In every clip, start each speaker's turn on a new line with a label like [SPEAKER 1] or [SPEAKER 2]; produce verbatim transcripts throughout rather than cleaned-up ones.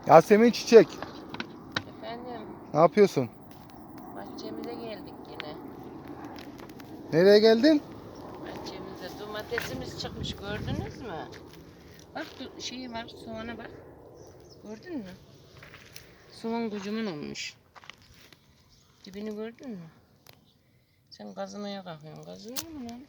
[SPEAKER 1] Yasemin Çiçek,
[SPEAKER 2] Efendim,
[SPEAKER 1] ne yapıyorsun?
[SPEAKER 2] bahçemize geldik yine.
[SPEAKER 1] Nereye geldin?
[SPEAKER 2] Bahçemize domatesimiz çıkmış, gördünüz mü? Bak du- şeyi var, soğana bak. Gördün mü? Soğan kocaman olmuş. Dibini gördün mü? Sen kazımaya kalkıyorsun. Kazınıyor mu lan?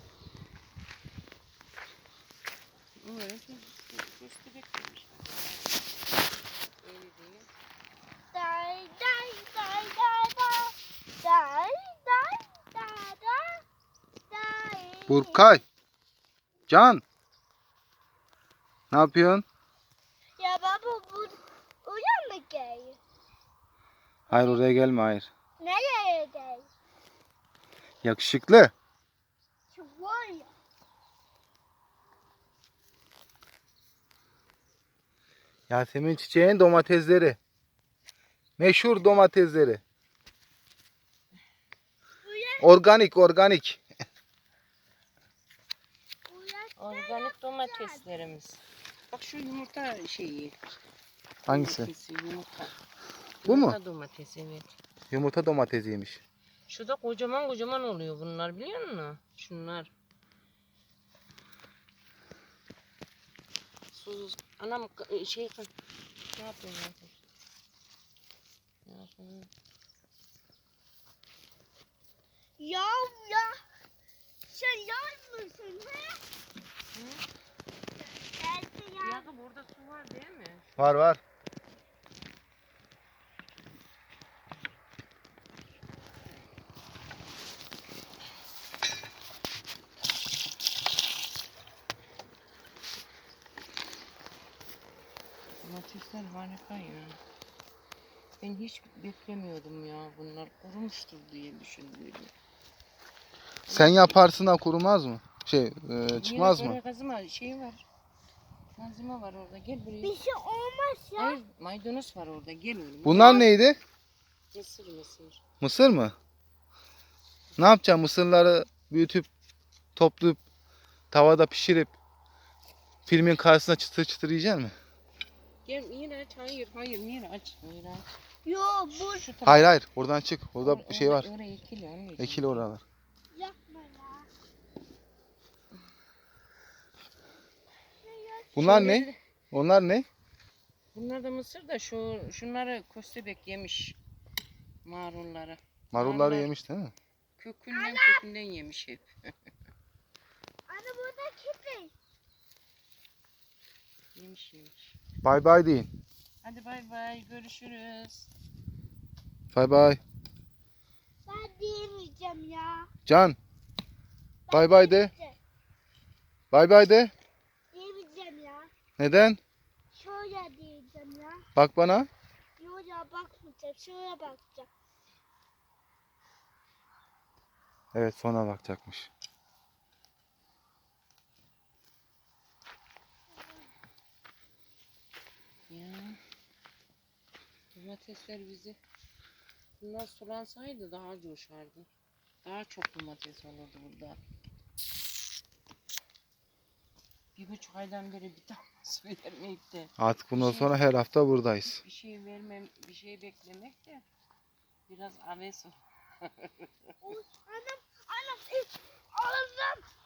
[SPEAKER 2] Evet, köstebek demiş. Öyle değil.
[SPEAKER 3] Day day day day day day day day day.
[SPEAKER 1] Burkay, Can, ne yapıyorsun?
[SPEAKER 3] Ya baba bu oraya mı gel?
[SPEAKER 1] Hayır, oraya gelme, hayır.
[SPEAKER 3] Nereye gel?
[SPEAKER 1] Yakışıklı.
[SPEAKER 3] Şu var ya.
[SPEAKER 1] Yasemin Çiçek'in domatesleri. Meşhur domatesleri. Organik, organik.
[SPEAKER 2] Organik domateslerimiz. Bak şu yumurta şeyi.
[SPEAKER 1] Hangisi?
[SPEAKER 2] Domatesi, yumurta.
[SPEAKER 1] Bu mu?
[SPEAKER 2] Yumurta domatesi, evet.
[SPEAKER 1] Yumurta domatesiymiş.
[SPEAKER 2] Şu da kocaman kocaman oluyor bunlar, biliyor musun? Şunlar. Sus. Anam k- şey ne yapıyorsun? Ne yapıyorsun?
[SPEAKER 3] Ya ya. Sen yaz mısın he?
[SPEAKER 2] Hı?
[SPEAKER 3] Geldi ya.
[SPEAKER 2] Ya burada su var değil mi?
[SPEAKER 1] Var var.
[SPEAKER 2] Domatesler harika ya. Ben hiç beklemiyordum ya, bunlar kurumuştur diye düşündüm.
[SPEAKER 1] Sen yaparsın da kurumaz mı? Şey, e, çıkmaz
[SPEAKER 2] Yine
[SPEAKER 1] mı?
[SPEAKER 2] oraya kazıma şey var. Malzeme var orada, gel buraya.
[SPEAKER 3] Bir şey olmaz ya.
[SPEAKER 2] Hayır, maydanoz var orada, gel oğlum.
[SPEAKER 1] Bunlar neydi?
[SPEAKER 2] Mısır mısır.
[SPEAKER 1] Mısır mı? Ne yapacaksın? Mısırları büyütüp, toplayıp, tavada pişirip, filmin karşısına çıtır çıtır yiyecek misin?
[SPEAKER 2] Gel yine aç, hayır hayır yine aç. Hayır aç.
[SPEAKER 3] Yo bu
[SPEAKER 2] Şu tarafa-
[SPEAKER 1] Hayır hayır, oradan çık. Orada
[SPEAKER 2] Or-
[SPEAKER 1] bir şey var.
[SPEAKER 2] Orada, oraya ekili anneciğim.
[SPEAKER 1] Ekili oralar.
[SPEAKER 3] yapma ya.
[SPEAKER 1] Bunlar ne?
[SPEAKER 2] Şunları-
[SPEAKER 1] Onlar ne?
[SPEAKER 2] Bunlar da mısır da şu şunları köstebek yemiş. Marulları.
[SPEAKER 1] Marulları
[SPEAKER 2] Marullar
[SPEAKER 1] yemiş değil mi?
[SPEAKER 2] Kökünden kökünden yemiş hep.
[SPEAKER 3] Anne burada köpek.
[SPEAKER 2] Yemiş yemiş.
[SPEAKER 1] Bay bay deyin.
[SPEAKER 2] Hadi bay bay, görüşürüz.
[SPEAKER 1] Bay bay.
[SPEAKER 3] Ben diyemeyeceğim ya.
[SPEAKER 1] Can,
[SPEAKER 3] Ben
[SPEAKER 1] bay bay de.
[SPEAKER 3] diyemeyeceğim.
[SPEAKER 1] Bay bay de.
[SPEAKER 3] Diyemeyeceğim ya.
[SPEAKER 1] Neden?
[SPEAKER 3] Şöyle diyeceğim ya.
[SPEAKER 1] Bak bana.
[SPEAKER 3] Yo ya bakmayacağım. Şöyle bakacağım.
[SPEAKER 1] Evet, sonra bakacakmış.
[SPEAKER 2] Ya. Domatesler bizi. Bunlar sulansaydı daha coşardı. Daha çok domates olurdu burada. Bir buçuk aydan beri bir tane su vermeyip de
[SPEAKER 1] Artık bundan
[SPEAKER 2] Bir şey-
[SPEAKER 1] sonra her hafta buradayız.
[SPEAKER 2] bir şey vermem, bir şey beklemek de biraz aves.
[SPEAKER 3] Oy, anam, anam, üf, ağzım.